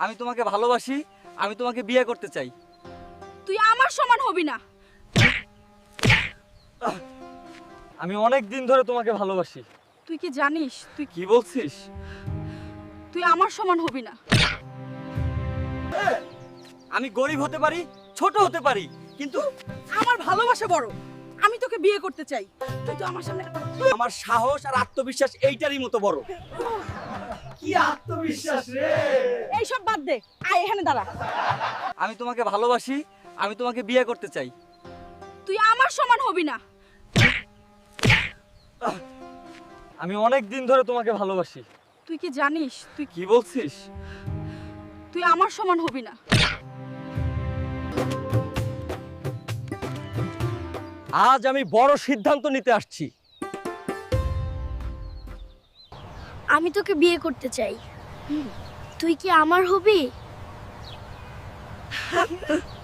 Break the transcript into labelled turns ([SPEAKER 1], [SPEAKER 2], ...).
[SPEAKER 1] আমি তোমাকে ভালোবাসি, আমি তোমাকে বিয়ে করতে চাই।
[SPEAKER 2] তুই আমার সমান হবি না।
[SPEAKER 1] আমি অনেক দিন ধরে তোমাকে ভালোবাসি।
[SPEAKER 2] তুই কি জানিস
[SPEAKER 1] কি বলছিস?
[SPEAKER 2] তুই আমার সমান হবি না।
[SPEAKER 1] আমি গরিব হতে পারি, ছোট হতে পারি, কিন্তু
[SPEAKER 2] আমার ভালোবাসা বড়। আমি তোকে বিয়ে করতে চাই। তুই তো আমার সামনে
[SPEAKER 1] আমার সাহস আর আত্মবিশ্বাস এইটারই মতো বড়। কি আত্মবিশ্বাস রে!
[SPEAKER 2] এই সব বাদ দে, আয় এখানে দাঁড়া।
[SPEAKER 1] আমি তোমাকে ভালোবাসি, আমি তোমাকে বিয়ে করতে চাই।
[SPEAKER 2] তুই আমার সমান হবি না।
[SPEAKER 1] আমি অনেক দিন ধরে তোমাকে ভালোবাসি।
[SPEAKER 2] তুই কি জানিস
[SPEAKER 1] কি বলছিস?
[SPEAKER 2] তুই আমার সমান হবি না।
[SPEAKER 1] আজ আমি বড় সিদ্ধান্ত নিতে আসছি।
[SPEAKER 3] আমি তোকে বিয়ে করতে চাই। তুই কি আমার হবি?